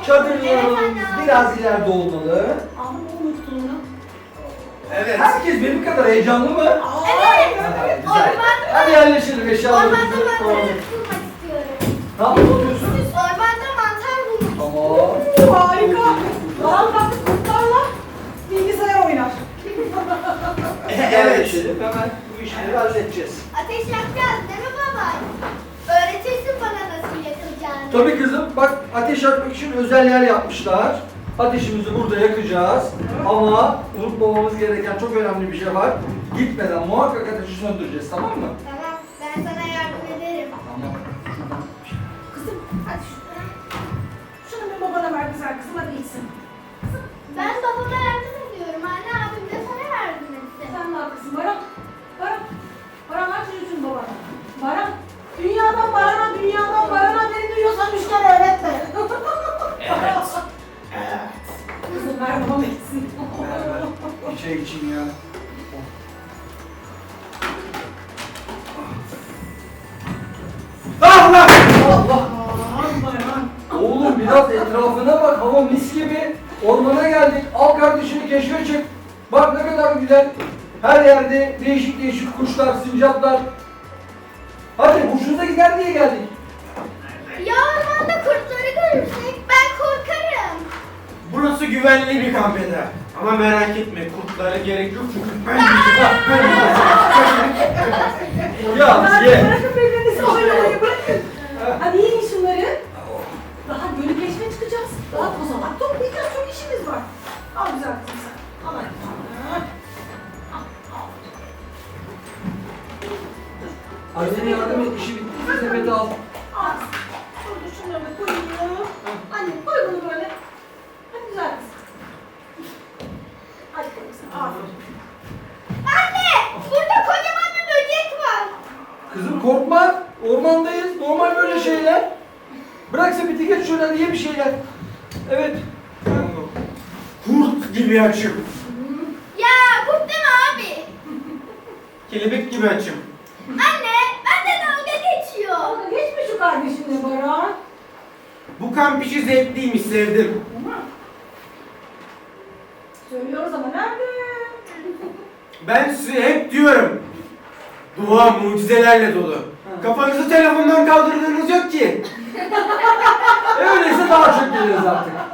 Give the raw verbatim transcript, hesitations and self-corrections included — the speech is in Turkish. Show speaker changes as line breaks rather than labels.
Çadırlarımız biraz ileride olmalı.
Ama o mutluluğunu.
Evet.
Herkes benim kadar heyecanlı mı?
Evet.
Ha, güzel.
Ormanda-
Hadi yerleşelim eşyalarımızı.
Ormanda mantar
Tamam.
bulmak istiyorum.
Ne yapıyorsun?
Ormanda mantar bulmak
Tamam.
Oo, harika. Baran kalktı kurtlarla bilgisayar oynar.
Evet.
Yerleşelim. Hemen bu işleri halledeceğiz.
Ateş yakacağız değil mi baba? Öğretirsin bana nasıl yakılacağını.
Tabii kızım, bak ateş yakmak için özel yer yapmışlar. Ateşimizi burada yakacağız. Ama unutmamamız gereken çok önemli bir şey var. Gitmeden muhakkak ateşi söndüreceğiz, tamam mı?
Tamam, ben sana yardım ederim.
Tamam.
Kızım hadi şunu. Şunu bir babana ver güzel kızım hadi içsin.
Ben babama yardım ediyorum. Anne abim de sana yardım etti.
Sen ne yapıyorsun Baran? Baran. Baran aç yüzün babana. Baran. Dünyadan Baran'a, dünyadan Baran'a beni duyuyorsan üç kere öğretme.
Evet. Evet.
Kızım ver babam etsin.
Bir şey için ya.
Allah!
Allah!
Aman Baran.
Oğlum biraz etrafına bak, hava mis gibi. Ormana geldik, al kardeşini keşfe çık. Bak ne kadar güzel. Her yerde değişik değişik kuşlar, sincaplar. Hadi hoşunuza gider diye geldik.
Ya ormanda kurtları görürsek ben korkarım.
Burası güvenli bir kamp eder. Ama merak etme, kurtlara gerek yok çünkü ben
Ya ye.
Bırakın birbirinizi oynamayı bırakın. Hadi yiyin şunları. Daha gölü keşfe çıkacağız. Daha kozalak toplayacağız. Çok işimiz var. Al güzel kızım sen. Al hadi. Al, al.
Annene yardım et, işi bitti. Sepeti al.
Al. Şurada şunları da koyayım. Anne koy bunu böyle. Hadi güzel kızım. Hadi koy kızım. Aferin.
Anne, burada kocaman bir böcek var.
Kızım korkma. Ormandayız. Normal böyle şeyler. Bırak sepeti geç şöyle hadi ye bir şeyler. Evet.
kurt gibi açım.
Ya kurt deme abi.
Kelebek gibi açım.
Anne, bende dalga geçiyor.
Dalga geçme şu kardeşinle Baran.
Bu kamp işi zevkliymiş, sevdim.
Tamam. Söylüyoruz ama nerede?
Ben size hep diyorum. Dua mucizelerle dolu. Kafanızı telefondan kaldırdığınız yok ki.
E öyleyse daha çok geliriz artık.